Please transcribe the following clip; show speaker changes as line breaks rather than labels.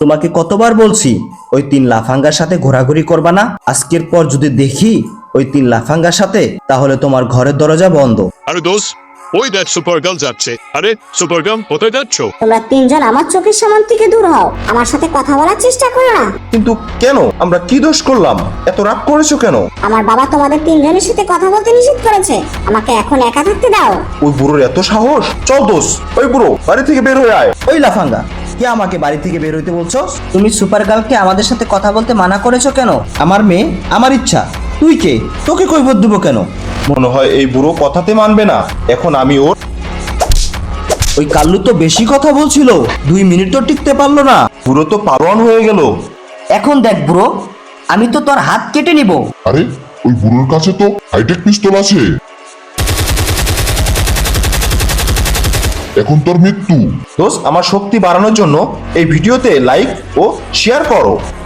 তোমাকে কতবার বলছি ওই 3 লাফাঙ্গার সাথে ঘোরাঘুরি করবা না। আজকের পর যদি দেখি ওই 3 লাফাঙ্গার সাথে, তাহলে তোমার ঘরের দরজা বন্ধ।
আরে দোস্ত, ওই দেখ সুপার গার্ল যাচ্ছে। আরে সুপার গার্ল, কোথায় যাচ্ছ?
তোমরা তিনজন আমার চোখের সামনে থেকে দূর হও, আমার সাথে কথা বলার চেষ্টা করো না।
কিন্তু কেন? আমরা কি দোষ করলাম? এত রাগ করেছো কেন?
আমার বাবা তোমাদের তিনজনের সাথে কথা বলতে নিষেধ করেছে। আমাকে এখন একা থাকতে দাও।
ওই বুড়োর এত সাহস! চল দোষ, ওই বুড়ো বাড়ি থেকে বের হয়ে আয়।
ওই লাফাঙ্গা, কে আমাকে বাড়ি থেকে বের হইতে বলছো? তুমি সুপার গার্লকে আমাদের সাথে কথা বলতে মানা করেছো কেন? আমার মেয়ে, আমার ইচ্ছা। তুই কে? তোকে কৈফিয়ত দেবো কেন?
মনে হয় এই বুড়ো কথাতে মানবে না। এখন আমি ওর
ওই কাল্লু তো বেশি কথা বলছিল, 2 মিনিট তো টিকতে পারলো না।
বুড়ো তো পালোয়ান হয়ে গেল।
এখন দেখ ব্রো, আমি তো তোর হাত কেটে নিব।
আরে ওই বুড়োর কাছে তো হাইটেক পিস্তল আছে। এখন তোর মৃত্যু।
দোষ, আমার শক্তি বাড়ানোর জন্য এই ভিডিওতে লাইক ও শেয়ার করো।